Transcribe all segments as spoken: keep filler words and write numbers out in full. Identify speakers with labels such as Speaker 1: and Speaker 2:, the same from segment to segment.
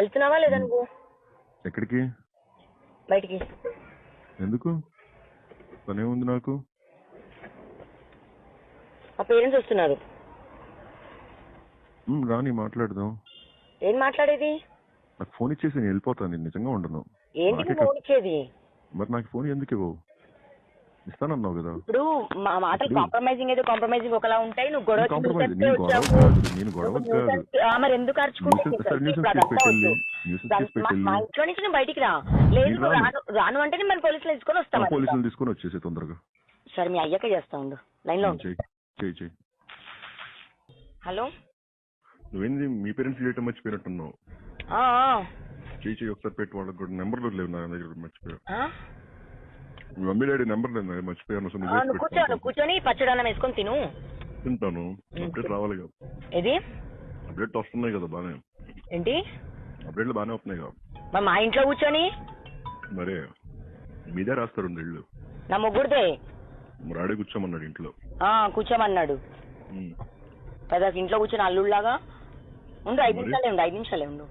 Speaker 1: వెళ్తున్నావా లేదా నువ్వు?
Speaker 2: ఎక్కడికి?
Speaker 1: బయటికి.
Speaker 2: ఎందుకు? పనేముంది నాకు?
Speaker 1: మా పేరెంట్స్ వస్తున్నారు.
Speaker 2: రాని మాట్లాడదాం.
Speaker 1: ఏం మాట్లాడేది?
Speaker 2: నాకు ఫోన్ ఇచ్చేసి నేను వెళ్ళిపోతాను. నేను నిజంగా ఉండను.
Speaker 1: ఏంటి ఫోన్ ఇచ్చేది?
Speaker 2: మరి నాకు ఫోన్ ఎందుకు ఇవ్వవు? ఇస్తానన్నావు కదా.
Speaker 1: ఇప్పుడు మా మాటలు కాంప్రమైజింగ్ అయితే కాంప్రమైజింగ్ ఒకలా ఉంటాయి. నువ్వు గొడవ మరి ఎందుకు అరుచుకుంటే మా ఇంట్లో నుంచి నువ్వు బయటికి రా. లేదు రాను రాను అంటే మరి పోలీసులు తీసుకొని వస్తాను.
Speaker 2: పోలీసులు తీసుకొని వచ్చేసి తొందరగా.
Speaker 1: సరే మీ అయ్యాక చేస్తా ఉండు. లైన్ లో
Speaker 2: చెయ్యి.
Speaker 1: హలో,
Speaker 2: నువ్వేంది మీ పేరెంట్స్ చేయటం మర్చిపోయినట్టున్నావు. చెయ్యి చెయ్యి ఒకసారి పెట్టి వాళ్ళకి కూడా నెంబర్లు లేవు నా దగ్గర. మర్చిపోయా. మీ మమ్మీ డాడీ నెంబర్ లేదు మర్చిపోయాను.
Speaker 1: కూర్చోను కూర్చొని పచ్చడన్నం వేసుకొని తిను.
Speaker 2: తింటాను. అప్డేట్ రావాలి కదా.
Speaker 1: ఏది
Speaker 2: అప్డేట్ వస్తున్నాయి కదా బానే.
Speaker 1: ఏంటి
Speaker 2: అప్డేట్లు బానే వస్తున్నాయి కదా.
Speaker 1: మరి మా ఇంట్లో కూర్చొని
Speaker 2: మరే మీదే రాస్తారు ఇల్లు.
Speaker 1: నా ముగ్గురిదే.
Speaker 2: మరి ఆడే కూర్చోమన్నాడు ఇంట్లో.
Speaker 1: కూర్చోమన్నాడు కదా. ఇంట్లో కూర్చొని అల్లుళ్ళలాగా ఉండు. ఐదు నిమిషాలే ఉండు ఐదు నిమిషాలే ఉండు.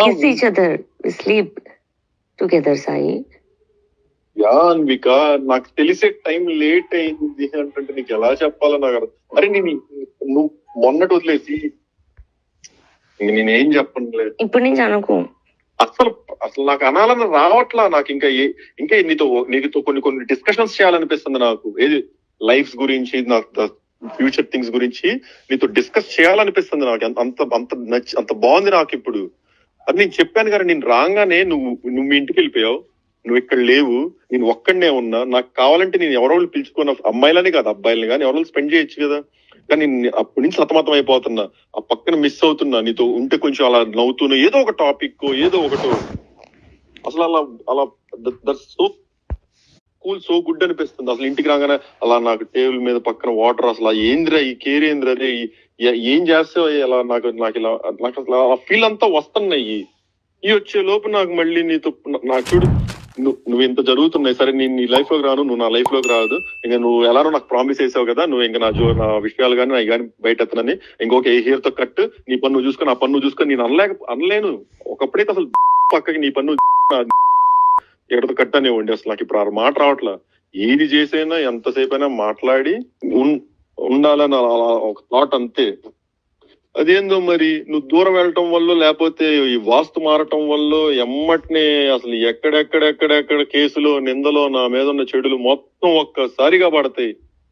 Speaker 3: యా అన్విక, నాకు తెలిసే టైం లేట్ అయింది అంటే నీకు ఎలా చెప్పాలో నాకు అర్థం. అరే నేను నువ్వు మొన్నటి వదిలేసి నేనేం చెప్పనులేదు.
Speaker 4: ఇప్పుడు నుంచి అనుకో.
Speaker 3: అసలు అసలు నాకు అనాలని రావట్లా. నాకు ఇంకా ఇంకా నీతో నీతో కొన్ని కొన్ని డిస్కషన్స్ చేయాలనిపిస్తుంది నాకు. ఏది లైఫ్ గురించి, నాకు ఫ్యూచర్ థింగ్స్ గురించి నీతో డిస్కస్ చేయాలనిపిస్తుంది నాకు. అంత అంత నచ్చి అంత బాగుంది నాకు ఇప్పుడు. అది నేను చెప్పాను కదా, నేను రాగానే నువ్వు నువ్వు మీ ఇంటికి వెళ్ళిపోయావు. నువ్వు ఇక్కడ లేవు, నేను ఒక్కడనే ఉన్నా. నాకు కావాలంటే నేను ఎవరో పిలుచుకున్న అమ్మాయిలని కాదు అబ్బాయిలని కానీ ఎవరో స్పెండ్ చేయొచ్చు కదా. కానీ అప్పటి నుంచి సతమతం అయిపోతున్నా. ఆ పక్కన మిస్ అవుతున్నా. నీతో ఉంటే కొంచెం అలా నవ్వుతున్నా, ఏదో ఒక టాపిక్ ఏదో ఒకటో. అసలు అలా అలా that so cool, so good అనిపిస్తుంది. అసలు ఇంటికి రాగానే అలా నాకు టేబుల్ మీద పక్కన వాటర్, అసలు ఏంద్రా ఈ కేర్ ఏంద్రా, రే ఏం చేస్తావు అలా నాకు నాకు ఇలా నాకు అసలు ఆ ఫీల్ అంతా వస్తున్నాయి. ఈ వచ్చే లోపు నాకు మళ్ళీ నీతో నాకు చూడు నువ్వు నువ్వు ఇంత జరుగుతున్నాయి. సరే నేను నీ లైఫ్ లోకి రాను, నువ్వు నా లైఫ్ లోకి రాదు. ఇంకా నువ్వు ఎలానో నాకు ప్రామిస్ చేసావు కదా, నువ్వు ఇంకా నా జో నా విషయాలు కానీ నా కానీ బయట ఎత్తనని ఇంకొక ఏ హెయిర్ తో కట్, నీ పన్ను చూసుకొని ఆ పన్ను చూసుకొని నేను అనలేక అనలేను. ఒకప్పుడైతే అసలు పక్కకి నీ పన్ను ఎక్కడితో కట్ అనేవ్వండి. అసలు నాకు ఇప్పుడు ఆ మాట రావట్లా. ఏది చేసైనా ఎంతసేపు అయినా మాట్లాడి ఉండాలని ఒక థాట్ అంతే. అదేందో మరి నువ్వు దూరం వెళ్ళటం వల్ల లేకపోతే ఈ వాస్తు మారటం వల్ల ఎమ్మటినే అసలు ఎక్కడెక్కడెక్కడెక్కడ కేసులో నిందలో నా మీద ఉన్న చెడులు మొత్తం ఒక్కసారిగా పడతాయి.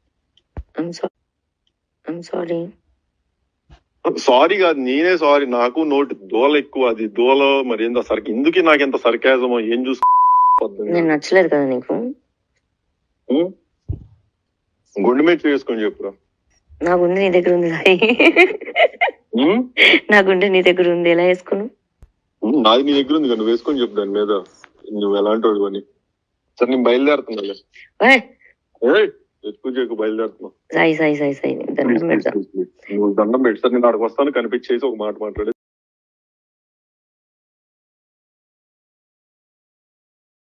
Speaker 3: సారీ కాదు, నేనే సారీ. నాకు నోటి దోల ఎక్కువ. అది దోల మరి ఏందో సరికి ఎందుకు నాకు ఎంత సర్కాజమో ఏం చూసుకో.
Speaker 4: నచ్చలేదు కదా నీకు?
Speaker 3: గుండె మీద చేసుకొని చెప్పురా.
Speaker 4: నా గుండె నీ దగ్గర ఉంది. నా గుండె నీ దగ్గర ఉంది, ఎలా వేసుకున్నావు?
Speaker 3: నాది నీ దగ్గర ఉంది, నువ్వు వేసుకొని చెప్పు దాని మీద నువ్వు ఎలాంటి వాడు అని. సరే నేను బయలుదేరుతున్నా. ఎక్కువ చేయకు, బయలుదేరుతున్నా.
Speaker 4: సాయి సాయి సాయి సాయి దండం పెడతా.
Speaker 3: నువ్వు దండం పెట్టి సార్ నేను అక్కడికి వస్తాను, కనిపించేసి ఒక మాట మాట్లాడే.